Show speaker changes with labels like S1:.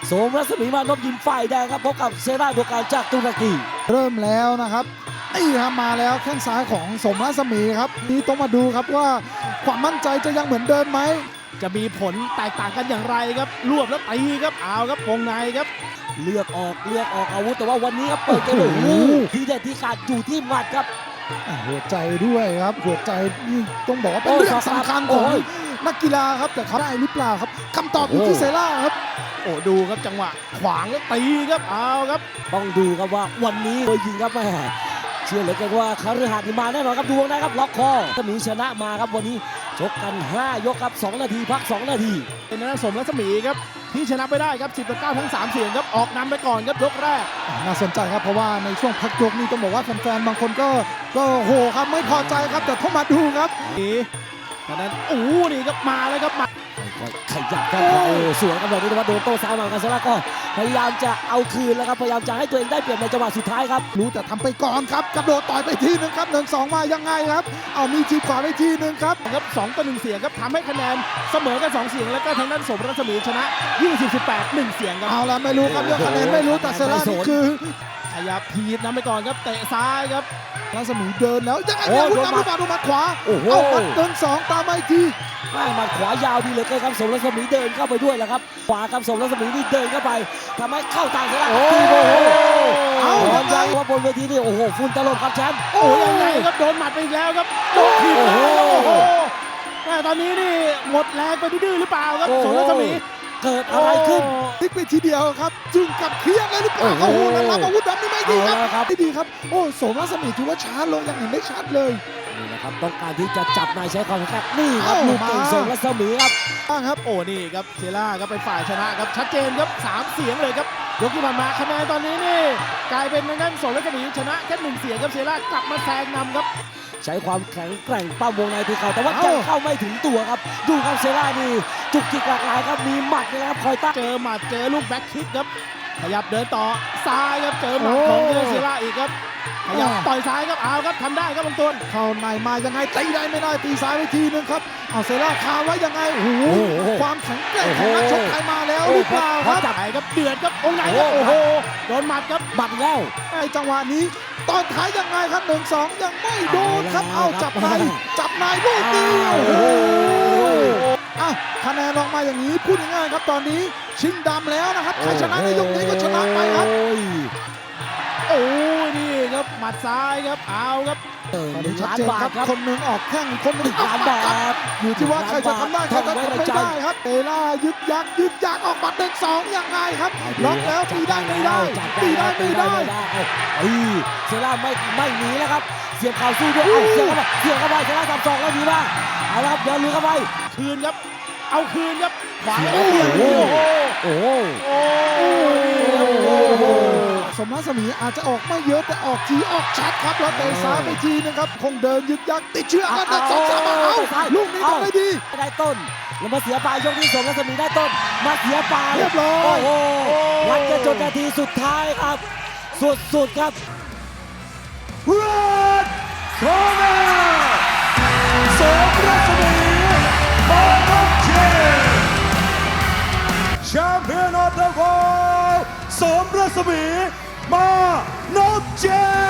S1: โสมรัศมีมานพยิมฝ่ายแดงครับพบกับเซราบัวการจากตุรกี
S2: เริ่มแล้วนะครับนี่ครับมาแล้วแข้งซ้ายของสมรัศมีครับนี่ต้องมาดูครับว่าความมั่นใจจะยังเหมือนเดิมไหม
S3: จะมีผลแตกต่างกันอย่างไรครับรวบแล้วตีครับเอาครับวงในครับ
S1: เลือกออกอาวุธแต่ว่าวันนี้ครับเปิดเกมโอ้โหทีเด็ดที่ขาดอยู่ที่หมัดครับ
S2: หัวใจด้วยครับหัวใจนี่ต้องบอกว่าเป็นเรื่องสำคัญของนักกีฬาครับแต่เขาได้หรือเปล่าครับคำตอบอยู่ที่เซล่าครับ
S3: โอ้ดูครับจังหวะขวางแล้วตีครับเอาครับ
S1: ต้องดูครับว่าวันนี้โดยยิงครับแม่เชื่อเหลือเกินว่าคฤหัสถ์มาแน่นอนครับดูนะครับล็อกคอถ้ามีชนะมาครับวันนี้ชกกัน5ยกครับ2นาทีพัก2นาที
S3: เป็นนักสมรัศมีครับที่ชนะไปได้ครับ10-9ทั้ง3เสียงครับออกนำไปก่อนครับยกแรก
S2: น่าสนใจครับเพราะว่าในช่วงพักยกนี่ต้องบอกว่าแฟนๆบางคนก็โหครับไม่พอใจครับแต่เข้ามาดูครับ
S3: นี่ตอนนั้นนี่ครับมาเลยครับมา
S1: ขยับครับสวยครับแบบนี้แต่ว่าโดนโต้ซ้ายมากันซะแล้วก็พยายามจะเอาคืนแล้วครับพยายามจะให้ตัวเองได้เปรียบในจังหวะสุดท้ายครับ
S2: รู้แต่ทำไปก่อนครับกระโดดต่อยไปทีนึงครับ1-2มายังไงครับเอามีทีขวาไปทีนึงครับ
S3: 2-1เสียงครับทำให้คะแนนเสมอกัน2เสียงแล้วก็ทางด้านสมรัศมีชนะ20-18 1เสียงครับ
S2: เอาละไม่รู้ครับเรื่องคะแนนไม่รู้แต่เซล่านี่คือ
S3: ขยับทีนำไปก่อนครับเตะซ้ายครับ
S2: รัศมีเดินแล้วยังไงเนี่ยคุณตามดูมาขวาเอาหมัด1-2ตามมาอีกที
S1: หมัดขวายาวดีเหลือเกินครับสมรัศมีเดินเข้าไปด้วยแหละครับขวาครับสมรัศมีนี่เดินเข้าไปทำให้เข้าทางเซล่าเอายังไงว่าบนเวทีนี่โอ้โหฝุ่นตลบครับแชมป์
S3: ยังไงครับโดนหมัดไปอีกแล้วครับโดนถีบแล้วแต่ตอนนี้นี่หมดแรงไปดื้อหรือเปล่าครับสมรัศมี
S1: เกิดอะไรขึ้น
S2: ติ๊กไปทีเดียวครับจึงกับเคียงเลยหรือเปล่าโอ้โหแล้วรับอาวุธแบบนี้ไม่ดีครับไม่ดีครับโอ้สมรัศมีถือว่าช้าลงอย่างเห็นได้ชัดเลย
S1: นี่นะครับต้องการที่จะจับนายใช้ความแข็งนี่ครับลูกเก่งสมรัศมีครับ
S3: ครับนี่ครับเซล่าครับเป็นฝ่ายชนะครับชัดเจนครับ3เสียงเลยครับยกที่ผ่านมาคะแนนตอนนี้นี่กลายเป็นทางด้านสมรัศมีชนะแค่1เสียงครับเซล่ากลับมาแซงนำครับ
S1: ใช้ความแข็งแกร่งปั้มวงในที่เขาแต่ว่ายังเข้าไม่ถึงตัวครับดูครับเซล่านี่จุกจิกหลากหลายครับมีหมัดนะครับคอยตั้ง
S3: เจอหมัดเจอลูกแบ็คคิกครับขยับเดินต่อซ้ายครับเจอหมัดของเซล่าอีกครับขยับต่อยซ้ายครับเอาครับทำได้ครับบางตัว
S2: เข้าในมายังไงตีได้ไม่ได้ตีซ้ายไปทีนึงครับเอาเซล่าคาไว้ยังไงโอ้โหความแข็งแกร่งของนักชกไทยมาแล้วหรือเปล่าครับ
S3: จับครับเดือดครับองค์ไหนครับโอ้โหโดนหมัดครับ
S1: หมัดแล้ว
S2: ไอ้จังหวะนี้ตอนท้ายยังไงครับ1-2ยังไม่โดนครับเอาจับในลูกนี้โอ้โหคะแนนออกมาอย่างนี้พูดง่ายๆครับตอนนี้ชิงดำแล้วนะครับใครชนะในยกนี้ก็ชนะไปครับ
S3: นี่ครับหมัดซ้ายครับเอาครับ
S2: ชัดเจนครับคนหนึ่งออกแข้งคนหนึ่งออกหมัดครับอยู่ที่ว่าใครจะทำได้ใครจะทำไม่ได้ครับเตล่ายึกยักออกหมัด1-2ยังไงครับล็อกแล้วตีได้ไม่ได้
S1: เซล่าไม่หนีแล้วครับเสียบเข่าสู้ด้วยเสียบเข้าไปเซล่าสับศอกแล้วดีมากเอาละครับเดินลุยเข้าไป
S3: คืนครับเอาคืนครับขวา
S2: สมรัศมีอาจจะออกไม่เยอะแต่ออกทีออกชัดครับแล้วเตะซ้ายไปทีนึงครับคงเดินยึกยักติดเชื้อกัน2-3เอาลูกนี้ทำได้ดี
S1: ได้ต้นแล้วมาเสียปลายยกที่สมรัศมีได้ต้นมาเสียปลาย
S2: เรียบร้อย
S1: วัดกันจนนาทีสุดท้ายครับสุดครับ
S4: สมรัศมีมานพแชมเปี้ยนออฟเดอะเวิลด์สมรัศมีมานพ